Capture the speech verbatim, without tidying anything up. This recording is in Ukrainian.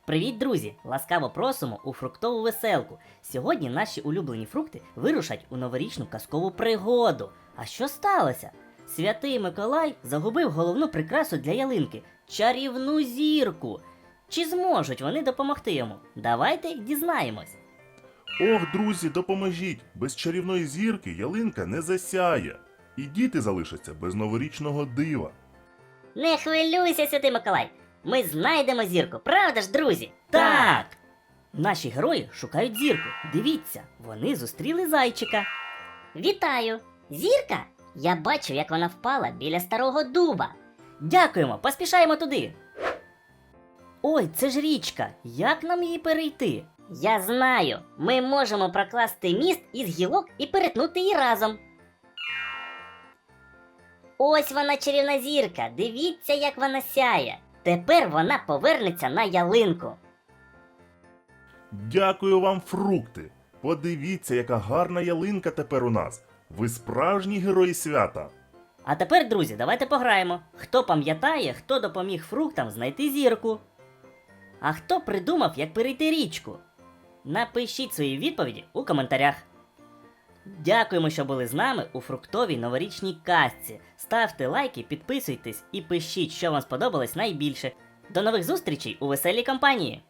Привіт, друзі! Ласкаво просимо у фруктову веселку. Сьогодні наші улюблені фрукти вирушать у новорічну казкову пригоду. А що сталося? Святий Миколай загубив головну прикрасу для ялинки – чарівну зірку. Чи зможуть вони допомогти йому? Давайте дізнаємось. Ох, друзі, допоможіть! Без чарівної зірки ялинка не засяє. І діти залишаться без новорічного дива. Не хвилюйся, Святий Миколай. Ми знайдемо зірку, правда ж, друзі? Так! Наші герої шукають зірку. Дивіться, вони зустріли зайчика. Вітаю! Зірка? Я бачу, як вона впала біля старого дуба. Дякуємо, поспішаємо туди. Ой, це ж річка. Як нам її перейти? Я знаю, ми можемо прокласти міст із гілок і перетнути її разом. Ось вона, чарівна зірка. Дивіться, як вона сяє. Тепер вона повернеться на ялинку. Дякую вам, фрукти! Подивіться, яка гарна ялинка тепер у нас. Ви справжні герої свята. А тепер, друзі, давайте пограємо. Хто пам'ятає, хто допоміг фруктам знайти зірку? А хто придумав, як перейти річку? Напишіть свої відповіді у коментарях. Дякуємо, що були з нами у фруктовій новорічній казці. Ставте лайки, підписуйтесь і пишіть, що вам сподобалось найбільше. До нових зустрічей у веселій компанії!